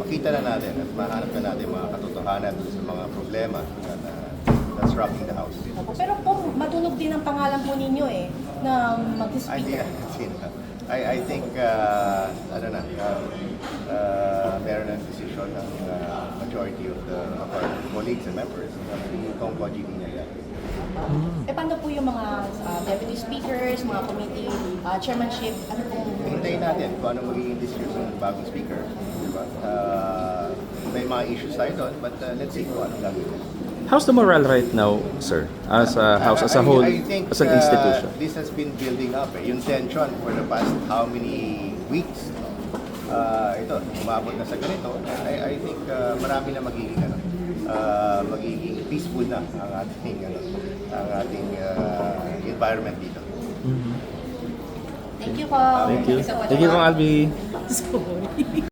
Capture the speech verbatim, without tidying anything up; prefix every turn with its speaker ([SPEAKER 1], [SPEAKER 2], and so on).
[SPEAKER 1] makita na natin at mahanap na natin mga katotohanan sa mga problema na, na that's rocking the house.
[SPEAKER 2] Pero po, matunog din ang pangalan po ninyo eh, na
[SPEAKER 1] I,
[SPEAKER 2] mag-speaker.
[SPEAKER 1] I, I think, uh, ano na, uh, uh, meron ng decision ng uh, majority of the of our colleagues and members na si Kong Koji Binaya.
[SPEAKER 2] Eh paano po yung mga ah, deputy speakers, mga committee ah, chairmanship, ano pong...
[SPEAKER 1] Hintayin natin kung ano magiging decision ng bagong speaker. Diba? Uh, may mga issues tayo doon, but uh, let's see kung anong gagawin.
[SPEAKER 3] How's the morale right now, sir? As a house, as a
[SPEAKER 1] I-
[SPEAKER 3] whole,
[SPEAKER 1] I think,
[SPEAKER 3] as an
[SPEAKER 1] uh,
[SPEAKER 3] institution?
[SPEAKER 1] this has been building up. Eh. Yung tension for the past how many weeks, uh, ito, umabot na sa ganito. I, I think uh, marami na magiging, ano, uh, magiging peaceful na ang ating, ano, ang ating uh, environment dito.
[SPEAKER 2] Thank you po.
[SPEAKER 3] Thank you.
[SPEAKER 2] so much
[SPEAKER 3] Thank you,
[SPEAKER 2] po.
[SPEAKER 3] Kong Albi.
[SPEAKER 2] Sorry.